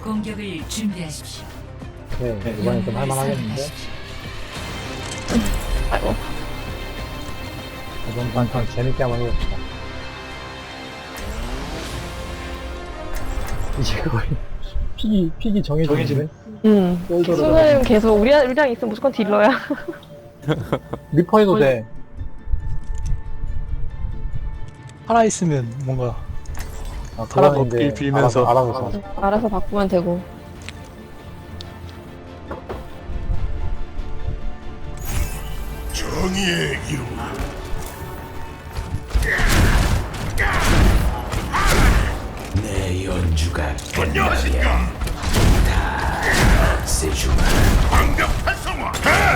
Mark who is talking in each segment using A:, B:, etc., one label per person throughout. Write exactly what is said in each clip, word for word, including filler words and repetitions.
A: 공격을 준비하십시오.
B: 네, 이번엔 좀 할만하겠는데?
C: 아이고.
B: 이번 판좀 재밌게 한번 해봅시다. 이제 거의 픽이, 픽이 정해지네?
C: 응. 수는 계속 우리, 우리랑 있으면 무조건 딜러야.
B: 리퍼 해도 돼.
D: 살아있으면 뭔가
B: 아,
D: 사람
B: 그거는 이제
D: 먹길 빌면서.
B: 알아서, 알아서 사.
C: 알아서 바꾸면 되고.
E: 정의의 이루 내 연주가 안녕하십니까 다 세주마 광격 활성화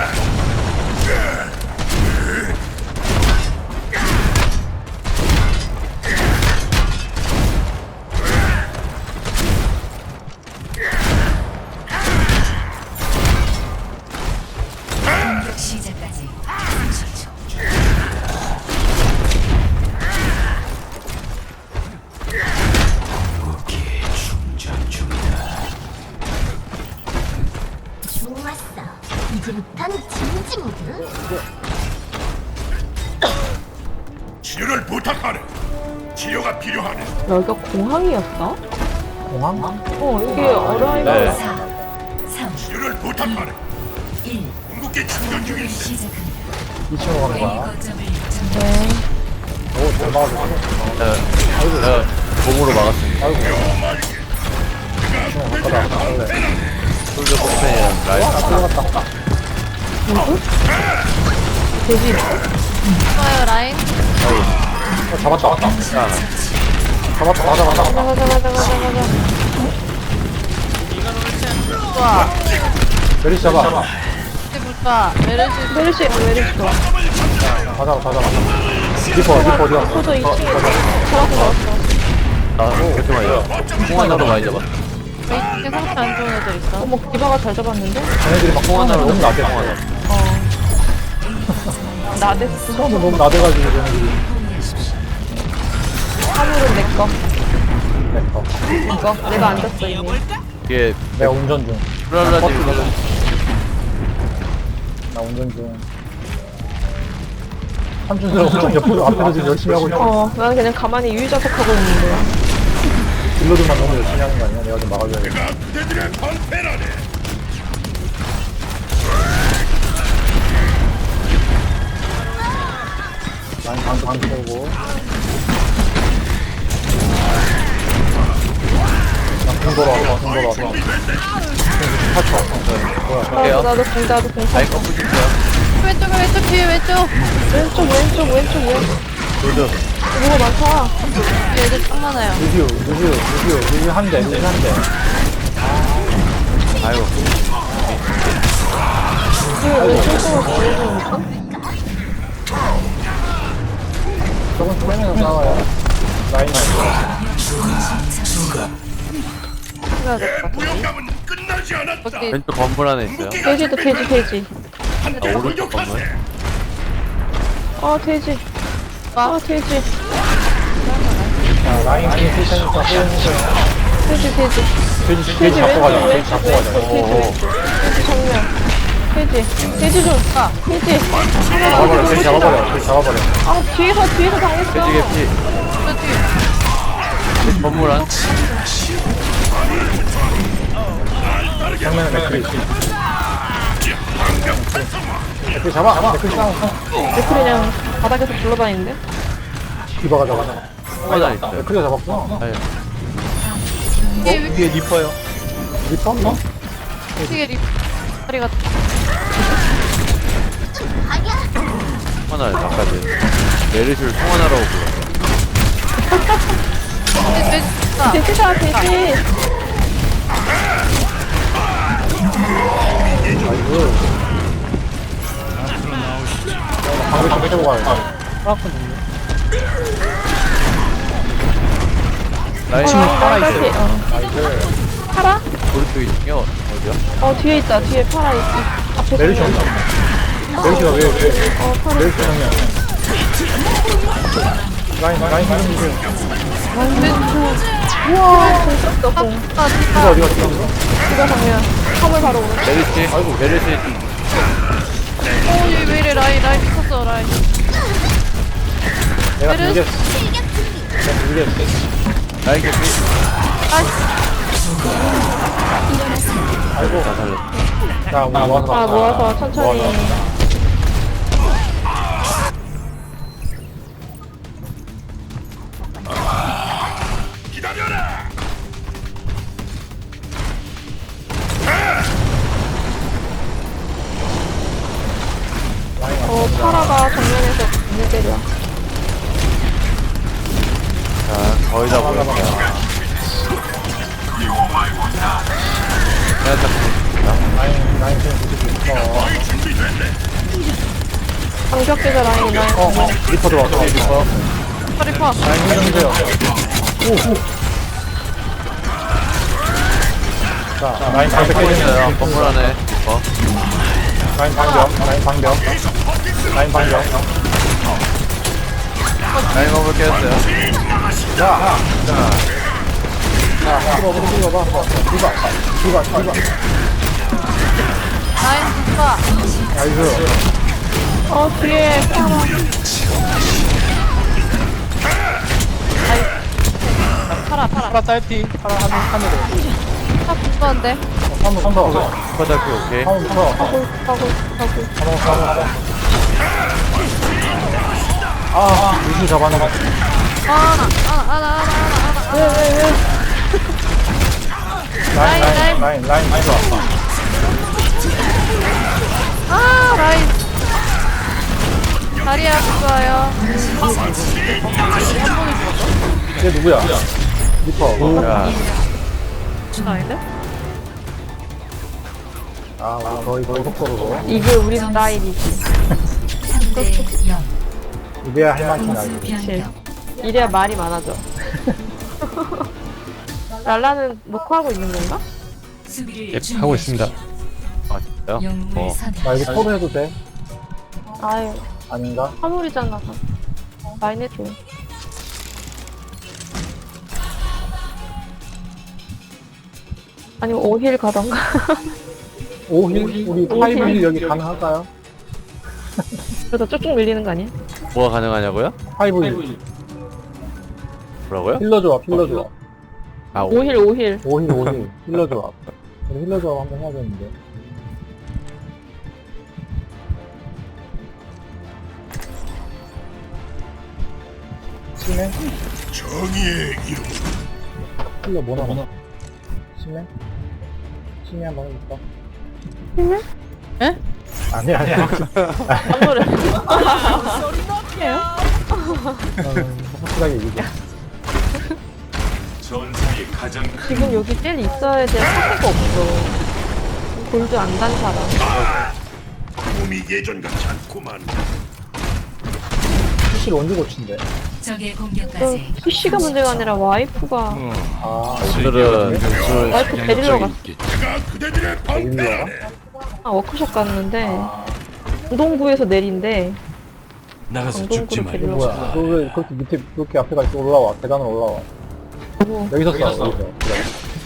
A: 공격 시작까지 삼십 초.
E: 무기 충전 중이다
F: 좋았어. 이제부터는 진지 모드.
E: 치료를 부탁하네 치료가 필요하네
C: 여기가 공항이었어?
B: 공항?
C: 어, 여기 어라이벌.
A: 사, 삼,
E: 치료를 부탁하네
A: 일.
E: 궁극기 충전
A: 공격을
E: 중인데
A: 시작합니다.
B: 이 층으로 가는
A: A
B: 거야.
A: 거점을
C: 네.
B: 오, 잘 막아줬어.
G: 제가 몸으로 막았습니다.
B: 아이고. 이 층으로 가다. 원래.
G: 솔저 포펜이랑 라이프.
B: 아, 들어갔다.
C: 돼지.
H: 좋아요 라인.
B: 어, 잡았다. 잡았다. 잡았다. 맞아, 맞아, 맞아.
C: 가자, 가자, 가자, 가자, 가자.
H: 좋아.
B: 메리 잡아.
H: 이제 볼까? 메르시
C: 메르시, 어, 메르시 좋아.
B: 다 잡아, 다 잡아. 리퍼, 리퍼 어디 갔어?
C: 소저 이 층에 잡았어, 잡았어.
G: 아, 그렇게 많이 잡아. 공 하나로 많이 잡아.
H: 웨이팅에 상태 안 좋은 애들 있어.
C: 어머, 디바가 잘 잡았는데?
B: 쟤네들이 막 공 하나로 너무 나대.
C: 어. 나댔어.
B: 처음에 너무 나대가지고 쟤네들이.
C: 화물은 내 거.
B: 네, 어.
C: 이거. 내가 앉았어, 이미.
G: 이게
B: 내가 운전 중.
G: 프랄라님
B: 나 운전 중. 삼촌들하고 운전 옆으로 앞에서 지금 열심히 하고 있어.
C: 어, 나는 그냥 가만히 유유자석하고 있는데.
B: 딜러들만 너무 열심히 하는 거 아니야? 내가 좀 막아줘야겠다.
E: 내가 그대들의 방패라네
B: 난 방, 방 켜고. 나공 돌아왔어, 공 돌아왔어. 팔 초. 뭐야.
G: 할게요.
C: 나도, 나도 공, 나도 공.
G: 라인 거 부실게요.
H: 왼쪽 왼쪽 뒤에 왼쪽.
C: 왼쪽, 왼쪽, 왼쪽, 왼쪽.
G: 솔저.
C: 누가 많다.
H: 뒤에 애들 딱 많아요.
B: 루시오, 루시오, 루시오, 루시오 한 대, 루시오 한 대.
G: 아이고.
C: 왜, 왜 쫄쫄 보여주니까?
B: 저건 쪼매면서 싸워요. 라인
C: 해야 될 것 같아.
E: 무용감은 끝나지 않았다
H: 거기
G: 왼쪽 건물 안에 있어요.
C: 돼지도 돼지, 돼지.
E: 함께
G: 아, 오른쪽
E: 공격하세
C: 아, 돼지. 아, 돼지.
B: 자, 라인 뒤에 세션이니까 호응해줘요.
C: 돼지, 돼지.
B: 돼지, 돼지
C: 돼지
B: 잡고 가자,
C: 왼쪽,
B: 돼지
C: 왼쪽,
B: 잡고 가자.
C: 왼쪽, 돼지, 왼쪽. 돼지 정면. 돼지. 돼지 좀. 아, 돼지.
B: 잡아버려, 돼지 잡아버려, 돼지 잡아버려.
C: 아, 뒤에서, 뒤에서 당했어.
G: 돼지 개피.
H: 저 뒤에.
G: 건물 안.
B: 정면에 맥크리. 맥크리 잡아, 맥크리 싸워.
C: 왜 그냥 바닥에서 굴러다니는데?
B: 디바가 잡아.
G: 하나 있어요.
B: 맥크리가 잡았구나.
G: 아유.
H: 뒤에 위-
D: 위에 리퍼요.
B: 리퍼? 어?
H: 뒤에 리 다리가
G: 하나 아까 전 메르시를 통화하라고 불렀어.
H: 돼지 돼지 있다.
C: 돼지다, 돼지.
B: 아이고. 방금 좀 빼고 가야
G: 라인
C: 어, 나까지. 어.
B: 아이고.
C: 파라?
G: 오른쪽 이 층이요. 어디야?
C: 어, 뒤에 있다. 뒤에 파라 있, 있, 앞에.
B: 메르시
C: 정면.
B: 온다. 메르시가 왜, 왜.
C: 어, 파라.
B: 메르시 정면. 라인 라인 좀 주세요.
C: 우와 공쳤어 공.
H: 아,
B: 누가 어디 갔어?
C: 누가 정면. 화물 바로 오는.
G: 메르시 아이고 메르시
H: 어, 얘왜 이래, 라인, 라인 미쳤어, 라인.
B: 내가
H: 메르시.
B: 빌렸어. 내가 빌렸어.
G: 라인 개피
B: 아이고.
G: 다 살렸어
B: 자, 우리 모아서
C: 아
B: 갑시다.
C: 모아서 천천히.
B: 모아서 갑시다.
E: 기다려라.
C: 어 파라가 정면에서 눈을 때려.
G: 자 거의 다 보였어요 내가 잡고
B: 라인 라인 좀 부수고 있어.
C: 방벽 계좌 라인 라인.
B: 어, 어, 리퍼 들어왔어. 리퍼.
H: 리퍼.
B: 라인 좀 주세요. 오, 오. 자, 자, 라인 방벽
G: 있어요
B: 깨졌어요.
G: 건물 안에 어
B: 라인 방벽, 라인 방벽, 라인 방벽.
G: 라인 건물 깨졌어요
B: 자, 자, 자, 들어봐, 들어봐, 들어봐, 들어봐, 들어봐.
H: 라인 디바.
B: 나이스.
C: 어 뒤에 파라.
H: 팔아, 팔아.
D: 파라 딸피 파라 한 하늘에
H: 아, 불편한데.
B: 한번 더,
G: 슈퍼달피 오케이
B: 한번 더,
C: 가고 가고 가고.
B: 한번 더, 한번 더. 아, 유수 잡아내.
H: 아, 나, 아, 나, 아, 나, 아, 나, 아, 나, 아, 나.
C: 왜왜 왜?
B: 라인, 라인, 라인, 라인, 라인 들어왔어.
H: 아, 라인. 다리야, 좋아요.
B: 얘 누구야? 리퍼.
G: 야
H: 아닌데?
B: 아, 우리 거의 거의 속도로.
C: 이게 우리 스타일이지.
A: 삼 대 영.
B: 이래야 할 만큼
A: 공수
B: 나지.
A: 변경.
C: 이래야 말이 많아져. 랄라는 녹화하고 있는 건가?
A: 수비를
D: 하고 있습니다.
G: 아 진짜요?
A: 영웅을
G: 어
A: 선택.
B: 나 이거 토로 해도 돼?
C: 아유
B: 아닌가?
C: 화물이잖아. 라인 해줘. 아니면 오힐 가던가.
B: 오힐? 우리 파이브 힐 여기 가능할까요?
C: 그래서 쭉쭉 밀리는 거 아니야?
G: 뭐가 가능하냐고요?
B: 파이브 힐.
G: 뭐라고요?
B: 힐러 조합, 힐러 조합.
G: 아 오,
C: 오힐 오힐.
B: 오힐, 오힐. 힐러 조합. 우리 힐러 조합 한번 해야겠는데. 심해?
E: 정의의 이름.
B: 힐러 뭐 나와? 심해? 심해 한번 해볼까?
C: 심해?
H: 에?
B: 아니야, 아니야.
C: 아무래.
B: 음, 확실하게 얘기해.
E: 전사의 가장
C: 지금 여기 젤 있어야 될 사태가 없어. 골드 안 단 사람.
E: 몸이 예전 같지 않구만.
B: 피씨를 언제 고친대?
A: 적의
C: 그
A: 공격까지
C: 피씨가 문제가 아니라 와이프가
B: 아,
G: 오늘은 술
C: 와이프 데리러 갔어.
E: 내가 그대들의 방패라네.
C: 아, 워크숍 갔는데 강동구에서 내린대.
E: 나가서
C: 강동구로 데리러
B: 뭐야?
C: 갔어.
B: 너 왜 그렇게 밑에 그렇게 앞에 가 있어? 올라와. 계단으로 올라와.
C: 뭐,
B: 여기서 싸워, 여기서. 그래.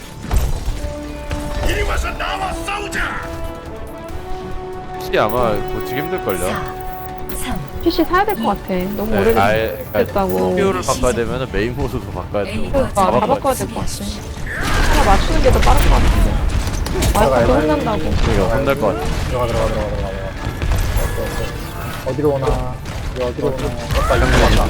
E: 이리 와서 나와 싸우자.
G: 혹시 아마 고치기 힘들걸요?
A: 삼.
C: 피씨 사야 될 것 같아. 너무
G: 네,
C: 오래됐
G: 아예
C: 됐다고.
G: 피오를 바꿔야 되면 메인 모드도 바꿔야 되고
C: 그러니까
G: 다
C: 다
G: 바꿔야
C: 바꿔야
G: 돼
C: 될 것 같아. 하나 맞추는 게 더 빠를 것 같은데. 와이프도 혼난다고.
G: 이거 혼날 것 같아
B: 들어가, 들어가, 들어가, 들어가. 어때, 어때? 어디로 오나? 이거 어디로 오나? 맞다, 이거 맞다.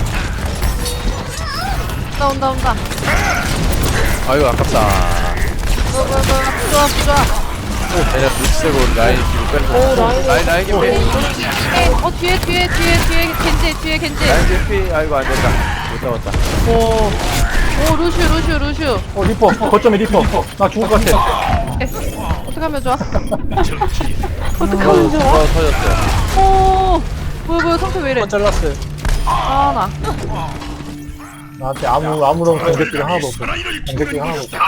H: 온다, 온다, 온다.
G: 아이고 아깝다
H: 좋아, 좋아, 좋아. 좋아, 좋아.
G: 그냥 눈치채고 라인 뒤로
C: 오,
G: 뺐어
C: 라인.
G: 라인 라인 개피
H: 에, 어, 뒤에, 뒤에, 뒤에, 뒤에, 겐지, 뒤에, 겐지.
G: 라인 개피 아이고 안된다 못 잡았다
H: 오, 오, 루슈, 루슈, 루슈.
B: 어, 리퍼. 어, 거점에 리퍼. 나 죽을 것 같아.
H: 어떡하면 좋아?
C: 어떡하면 좋아?
G: 어 터졌어요
H: 오, 뭐야, 뭐야, 상태 왜 이래?
D: 잘랐어요.
H: 아, 나.
B: 나한테 아무, 아무런 공격기가 하나도 없어. 공격기가 하나도 없어.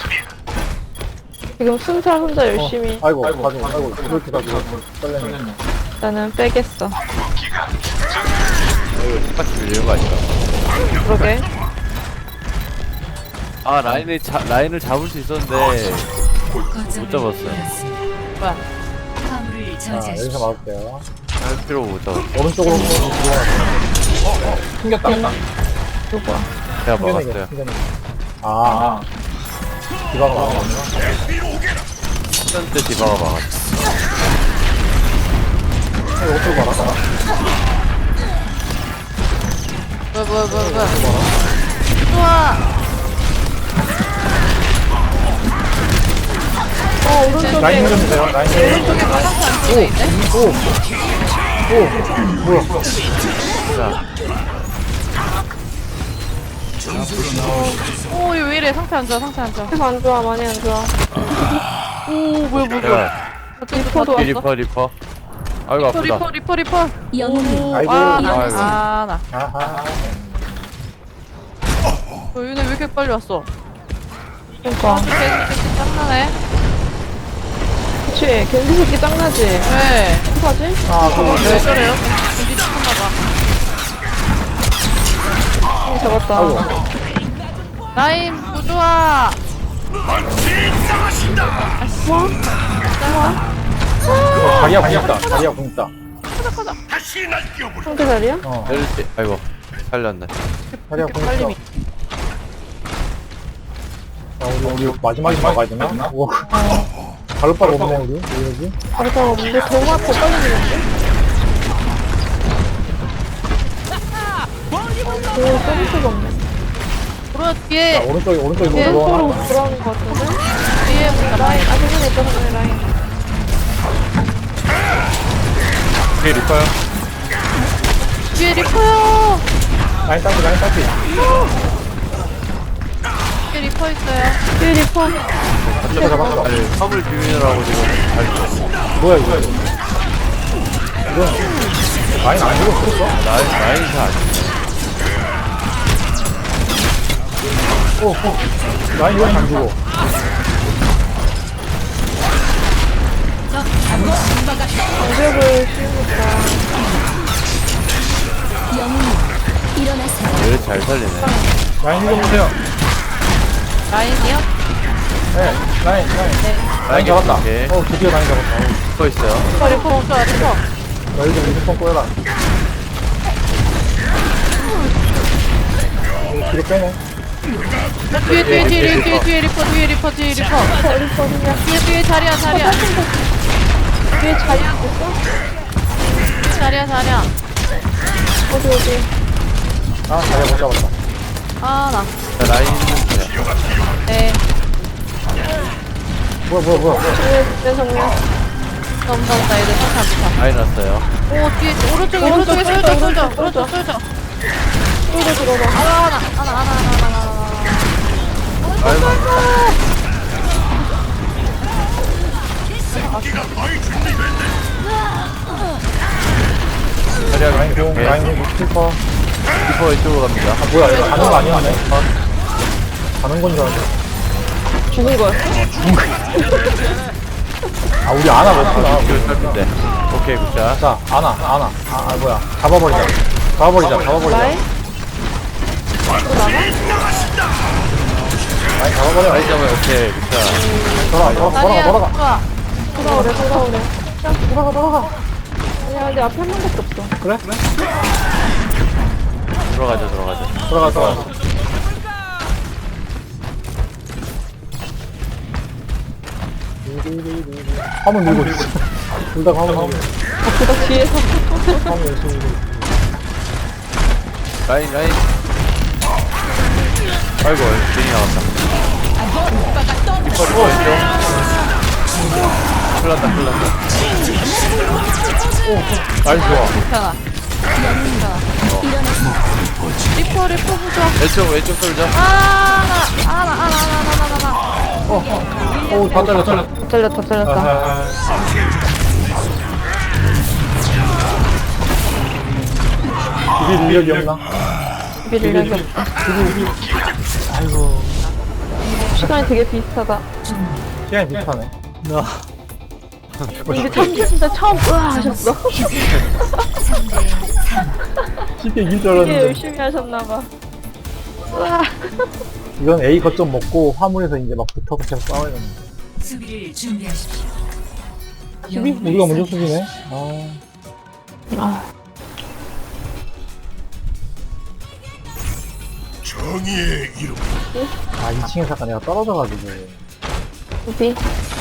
C: 지금 순살 혼자 열심히.
B: 어, 아이고, 가지고, 아이고, 그렇게 가지고. 떨렸네.
C: 나는 빼겠어.
G: 이거 똑같이 밀리는 거 아닌가?
C: 그러게.
G: 아 라인을 자, 라인을 잡을 수 있었는데
A: 거점을
G: 잡았어요.
A: 잃었습니다.
C: 뭐야?
A: 화물을
B: 자, 여기서
A: 저지하십시오.
B: 막을게요.
G: 할 필요가 못 잡았어.
B: 오른쪽으로 들어가요. 어, 어, 튕겼다.
C: 누구야?
G: 제가
B: 튕겨내기,
G: 막았어요.
B: 튕겨내기. 아, 디바가 막았구나.
G: 첫 때 디바가 막았어.
B: 이거 어떻게 막았어?
C: 뭐야 뭐야 뭐야 뭐야. 좋아. 어 오른쪽에.
B: 라인 좀 주세요, 라인 좀.
C: 오른쪽에 바닥이 안 돼 있네.
B: 오, 오, 뭐야.
G: 자,
H: 오, 이거 왜 이래? 상태 안 좋아, 상태 안 좋아.
C: 상태 안 좋아 많이 안 좋아.
H: 오, 뭐야, 뭐야, 뭐야.
G: 제가
C: 리퍼도 왔어.
G: 리퍼 리퍼. 아이고 아프다.
H: 리퍼, 리퍼, 리퍼.
A: 영웅을
H: 오,
B: 아이고,
H: 아, 나,
G: 아이고.
H: 아, 나.
B: 아하.
H: 어, 얘네 왜 이렇게 빨리 왔어?
C: 그러니까.
H: 개 짱나네.
C: 그치. 겐지 새끼 짱나지.
H: 왜?
C: 어떡하지?
B: 아, 그,
H: 왜 저래요? 준비 죽었나봐.
C: 어, 잡았다.
B: 아이고.
H: 라인, 부조아.
B: 다리야 공 있다, 다리야 공 있다.
E: 다시 날뛰어보라.
C: 상대 자리야?
B: 어,
G: 내릴지. 아이고 살렸네.
B: 다리야 공 있어.
H: 빨리
B: 아, 우리, 우리 마지막에 막아야 되나? 우와. 발로바가 없네, 우리. 왜 이러지?
C: 바로다가 뭔데 더 막, 더 빨리 되는데? 오, 써볼 수가 없네.
H: 돌아,
B: 자,
H: 뒤에.
B: 오른쪽에, 오른쪽에
H: 예,
B: 뭐
C: 서로
B: 들어와.
C: 돌아오는 것 같은데?
H: 뒤에 뭔가
C: 라인, 아, 저번에 있던 거 라인.
G: 뒤에 리퍼요.
H: 뒤에 리퍼요.
B: 라인 따지, 라인 따지.
H: 뒤에 리퍼 있어요.
C: 뒤에 리퍼.
B: 잡아, 잡았어.
G: 아니 화물 비비느라고 지금 잘 죽었어.
B: 뭐야, 이거. 이건, 라인 안 죽어, 죽었어?
G: 라인 라인 샷.
B: 오, 오. 라인 이건 안 죽어.
C: 공격을 씌우니까.
G: 얘를 잘 살리네.
B: 라인 이거 보세요.
H: 라인이요?
B: 네, 라인, 라인. 라인 잡았다.
G: 오케이.
B: 어, 드디어 라인 잡았다. 어.
G: 리퍼 있어요.
H: 리퍼, 리퍼, 리퍼, 리퍼.
B: 너희 좀 유니폼 꼬여라. 어, 뒤로 빼네.
H: 뒤에, 뒤에, 뒤에, 뒤에, 뒤에 리퍼, 뒤에 리퍼, 뒤에 리퍼.
C: 리퍼 그냥.
H: 뒤에, 뒤에 자리야, 자리야.
C: 뒤에 자리 있었어?
H: 자리야, 자리야.
C: 어디, 어디.
B: 아, 자리야 못 잡았다.
H: 아, 나.
G: 자, 라인 있는데요.
H: 네.
B: 뭐야, 뭐야, 뭐야.
C: 뒤에, 내 정면.
H: 너무 더웠다, 얘들 상태 안 좋다.
G: 라인 왔어요.
H: 오, 뒤에, 오른쪽에,
C: 오른쪽,
H: 오른쪽에 쏠져, 쏠져,
C: 오른쪽,
H: 오른쪽 쏠져.
C: 뚫어 들어가.
H: 하나, 하나, 하나, 하나, 하나, 하나, 하나.
G: 아이고. 자리야
B: 라인 공,
G: 오케이.
B: 라인 공, 스티커.
G: 리퍼 이쪽으로 갑니다.
B: 아, 뭐야, 이거 가는 거 아니었네? 가는 건 줄 알았네.
C: 죽은 거였어?
B: 아, 우리 아나 먹구나.
G: 이걸 살핀데. 오케이 굿샷.
B: 자, 아나, 아나. 아, 아, 뭐야. 잡아버리자. 잡아버리자, 잡아버리자.
C: 라인? 또 나가?
B: 라인 잡아버려.
G: 라인 잡아요. 오케이 굿샷.
B: 돌아가, 돌아가,
H: 자리야,
B: 돌아가, 돌아가.
H: 좋아.
C: 돌아오래, 돌아오래.
B: 돌아가, 돌아가.
C: 아니야, 근데 앞에 한 명밖에 없어.
B: 그래? 그래?
G: 들어가자 들어가자.
B: 들어가, 들어가. 화물 밀고 있어. 둘 다 화물 밀고 있어.
C: 그다 뒤에서.
B: 화물 열심히 밀고 있어.
G: 라인 라인. 아이고 괜히 나왔다. 리퍼 리퍼 왼쪽. 큰일 났다 큰일 났다.
B: 라인 좋아.
H: 괜찮아. 괜찮아. 리퍼, 리퍼 부자.
G: 왼쪽 왼쪽 돌자.
H: 아, 하나, 하나, 하나, 하나, 하나, 하나, 하나.
B: 오, 다 잘렸다.
C: 다 잘렸다, 다 잘렸다.
B: 비빌 인력이 없나?
C: 비빌 일이 없다.
B: 아이고.
C: 시간이 되게 비슷하다.
B: 시간이 비슷하네.
D: 나
C: 이게 참는데 처음 으아 하셨어.
B: 쉽게 이길 줄
C: 되게
B: 알았는데.
C: 열심히 하셨나봐. 으아.
B: 이건 A 거점 먹고 화물에서 이제 막 붙어서 계속 싸워야 되는데.
A: 수비를 준비하십시오.
B: 수비? 우리가 먼저 수비네? 아.
C: 아,
E: 정의의 이름.
B: 아, 이 층에 잠깐 내가 떨어져가지고.
C: 수비.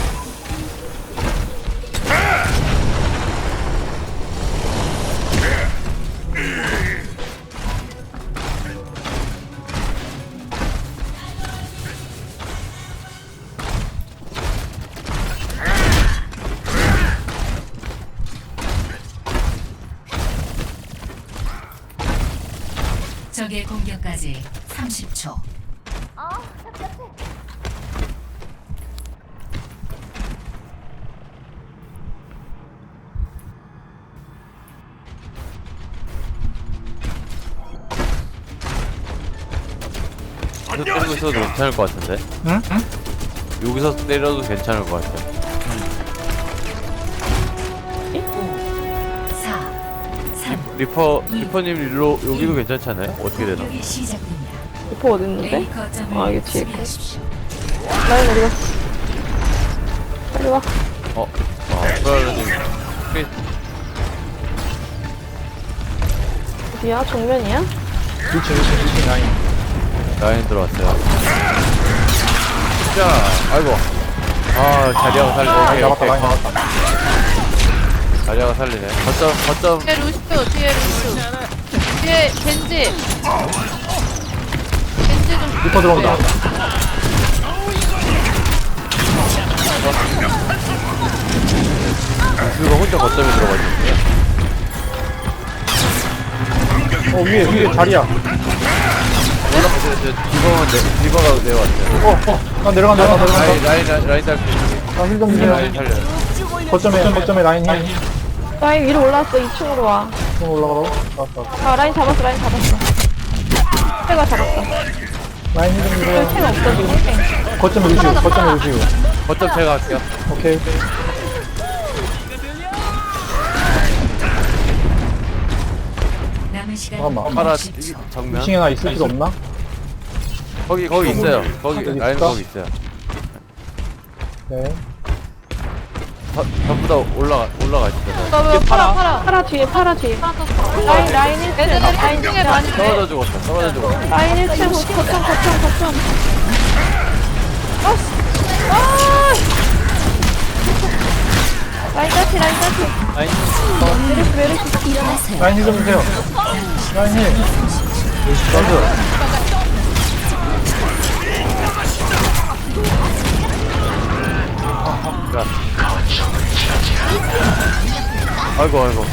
A: 적의 공격까지 삼십 초.
G: 여기서 때리고 있어도 괜찮을 것 같은데?
D: 응?
G: 여기서 때려도 괜찮을 것 같아.
A: 사, 삼,
G: 리퍼, 리퍼님 일로, 여기도 괜찮잖아요? 어떻게 되나?
A: 공격이 시작됩니다.
C: 리퍼 어딨는데?
A: A 거점을
C: 아, 이게 뒤에 있고.
A: 수비하십시오.
C: 라인 어디 갔어? 빨리 와.
G: 어, 아, 프라이님.
C: 어디야? 정면이야?
B: 이 층, 이 층, 이 층 라인.
G: 라인 들어왔어요. 자, 아이고. 아, 자리아가 살리네. 오케이,
B: 잡았다,
G: 오케이.
B: 라인 잡았다.
G: 자리아가 살리네. 거점, 거점.
H: 뒤에 루시오 뒤에 루시오 뒤에 겐지 겐지 좀
B: 리퍼 들어온다.
G: 누가 혼자 거점에 들어가지고.
B: 어, 위에, 위에 자리야.
G: 올라가세요. 디버가, 내, 디버가 내려왔어요.
B: 어, 어, 나 내려간다, 나 내려간다.
G: 라인, 라인, 라인, 라인 달피.
B: 나 힐 좀
G: 라인
B: 주세요.
G: 살려요.
B: 거점에, 거점에 라인 힐.
C: 라인 위로 올라왔어. 이 층으로 와.
B: 좀 올라가라고? 왔다, 왔다.
C: 아, 라인 잡았어. 라인 잡았어. 해가 잡았어.
B: 라인 힐 좀 주세요.
C: 템 없어 지금. 템.
B: 거점에 루시우, 거점에 루시우.
G: 거점 제가 할게요.
B: 오케이.
A: 남은 시간
B: 잠깐만.
G: 파라,
A: 육십 초.
G: 정면.
B: 이 층에 나 있을 필요 없나?
G: 거기, 거기 있어요. 거기,
B: 어디
G: 라인
B: 있을까?
G: 거기 있어요.
B: 네.
G: 저, 전부 다 올라가, 올라가 있어요.
H: 나왜 팔아 팔아
C: 파라 뒤에, 파라 뒤에. 라인, 라인 일 층.
H: 애들
C: 라인 일
H: 중에
C: 층.
H: 많이
G: 떨어져 죽었어, 떨어져 죽었어.
C: 라인 일 층. 거점, 거점, 거점. 라인 따치, 라인 따치.
G: 라인,
C: 메르시, 메르시.
F: 일어나세요.
B: 라인 힐 좀 주세요. 라인 힐. 나이스.
G: 야. 아이고, 아이고.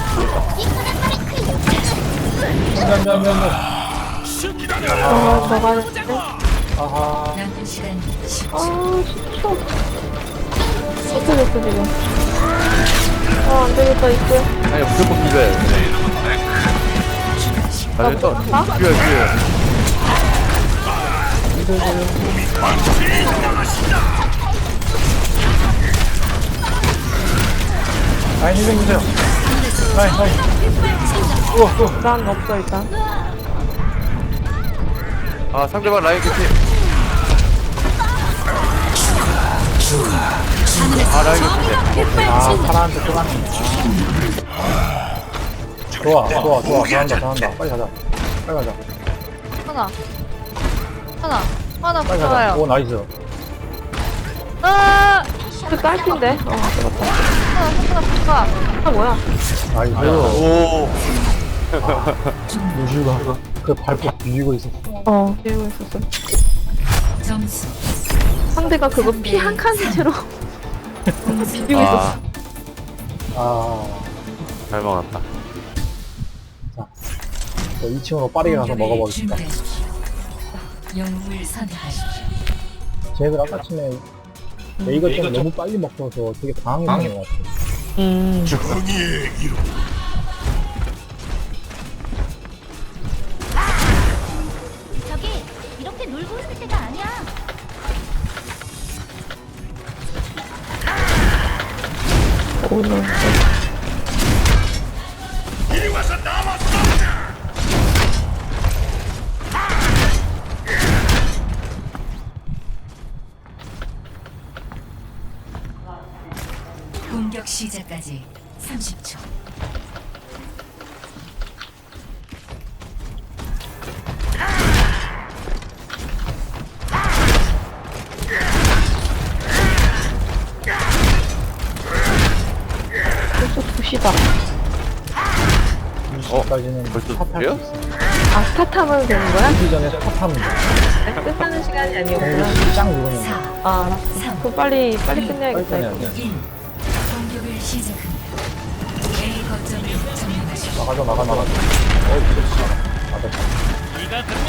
B: 미안, 미안, 미안, 미안.
C: 아, 저가는데.
B: 아하.
A: 남은 시간 십 초.
C: 아, 진짜. 어떻게 됐어, 지금. 아, 안 되겠다, 이제.
G: 아니, 무조건 비벼요. 아, 또,
C: 아?
G: 비벼요, 비벼요.
B: 라인 힐 좀 주세요. 라인, 라인. 우와, 우와.
C: 난 없어, 일단.
G: 아, 상대방 라인 끝이. 아, 라인 끝이.
B: 아, 파라한테 또 가네. 아. 좋아, 좋아, 좋아. 잘한다, 잘한다. 빨리 가자. 빨리 가자.
H: 하나 하나 하나
B: 빨리 가자.
H: 붙어요
B: 오, 나이스.
H: 아
C: 그 딸핀데? 어, 들었다.
H: 하나 하나 붙어
C: 아, 뭐야.
B: 나이스.
G: 오.
B: 루시우가 그 발톱 비비고 있었어.
C: 어, 비우고 있었어.
A: 점수
C: 상대가 그거 피 한 칸 채로 비비고 있었어.
G: 아,
B: 아,
G: 잘 막았다.
B: 저 이 층으로 빠르게 가서
A: 공격을
B: 먹어보겠습니다.
A: 준비하십시오. 영웅을 선택하십시오.
B: 쟤네들 아까 전에 레이거 때문에 너무 빨리 먹어서 되게 당황했던 것 같아.
C: 음.
E: 정의의 이름.
F: 저기 이렇게 놀고 있을 때가 아니야.
C: 오늘.
E: 이리 와서 나와 싸우자.
A: 공격 시작까지 삼십 초.
C: 벌써 두 시다.
B: 여기까지는
G: 벌써
B: 스타트할
G: 돼요?
B: 수 있어.
C: 아, 스타트하면 되는 거야?
B: 이 전에 스타트하면 돼.
C: 아니, 끝나는 시간이 아니었구나.
B: 공기 짱 누르면 돼.
A: 사,
C: 아, 알았어. 그럼 빨리, 빨리 끝내야겠다,
B: 빨리
C: 이거.
B: 끝내야 돼.
A: 일. 공격을 시작합니다. A 거점을 점령하십시오.
B: 나가자 나가 나가. 어이 그렇지. 맞아.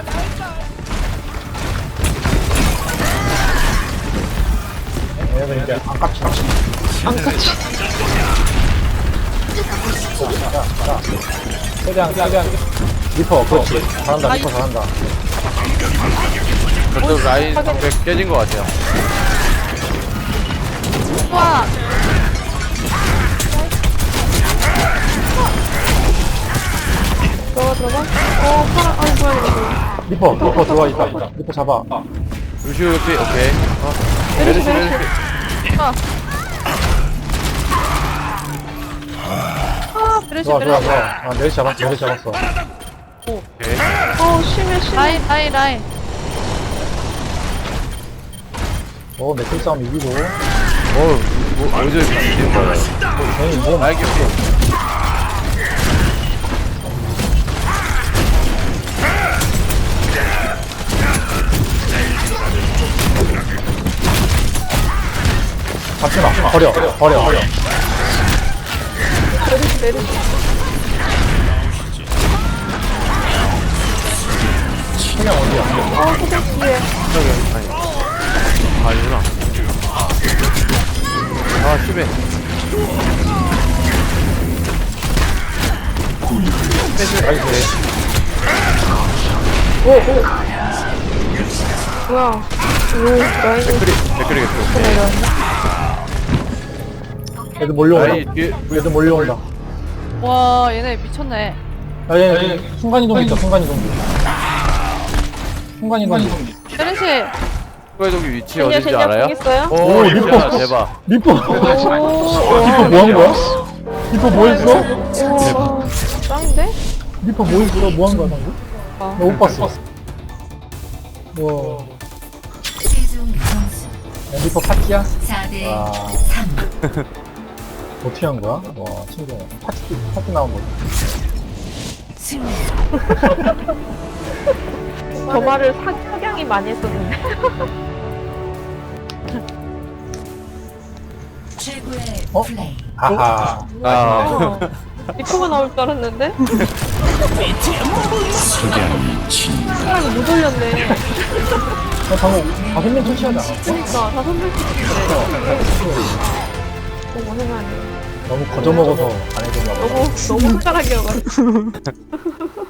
B: 얘네들 이제 안 깝치 깝치.
C: 안 깝치.
B: 자, 자. 최대한 최대한. 리퍼 그렇지. 잘한다 리퍼 잘한다.
G: 저쪽 라인 방패 깨진 것 같아요.
C: 와! 들어가, 들어가. 어, 파라, 아이, 뭐야, 이거.
B: 리퍼 리퍼 들어와 있다 있다. 리퍼 잡아.
G: 루시오 옆에 오케이. 어.
C: 메르시,
G: 메르시
C: 메르시.
G: 메르시.
C: 아. 아, 메르시,
B: 좋아 좋아
C: 메르시.
B: 좋아. 아 메르시 잡았어 메르시 잡았어.
G: 오케이.
C: 어, 심해, 심해.
H: 라인 라인 라인.
B: 어 매트 싸움 이기고.
G: 어, 뭐 어디서 이렇게 뛰는 거야?
B: 괜히 뭐
G: 날개 피.
B: 잡지 마. 버려 버려 버려.
C: 메르시, 메르시.
B: 그냥 어디야?
C: 어, 소장 뒤에.
G: 저기 아니. 아니구나. 아 심해.
B: 나이스.
C: 뭐야. 오, 라인이
G: 댓글이 댓글이 계속.
C: 내려왔네.
B: 애들 몰려온다.
G: 라인 뒤에
B: 애들 몰려온다.
H: 와 얘네 미쳤네.
B: 야, 얘, 얘, 순간이동 있다, 순간이동기. 순간이동기.
H: 메르시.
G: 국가이동기 위치
C: 젠야,
G: 어딘지
C: 젠야,
G: 알아요?
C: 공 있어요?
G: 오,
B: 오,
G: 리퍼
B: 리퍼.
G: 대박.
B: 리퍼! 리퍼 뭐 한 거야? 리퍼 뭐 했어?
C: 오, 짱인데?
B: 리퍼 뭐 했어? 뭐 한 거야, 방금? 나 못 봤어. 와.
A: 최종 점수
B: 야, 리퍼 파티야?
A: 사 대
B: 와.
A: 삼.
B: 어떻게 한 거야? 와, 신기해. 파티, 파티 나온 거지.
A: 승리.
C: 저 말을 사, 석양이 많이 했었는데.
A: 최고의
B: 어?
A: 플레이.
B: 아하.
G: 아,
C: 어, 리퍼가 나올 줄 알았는데? 사람이 못 올렸네.
B: 나 방금 다섯 명 터치하지 않았어?
C: 그니까, 다 선물 시켰는데. 너무 생각해.
B: 너무 거저먹어서 안 해줬나 봐.
C: 너무, 너무 숟가락이어가지고.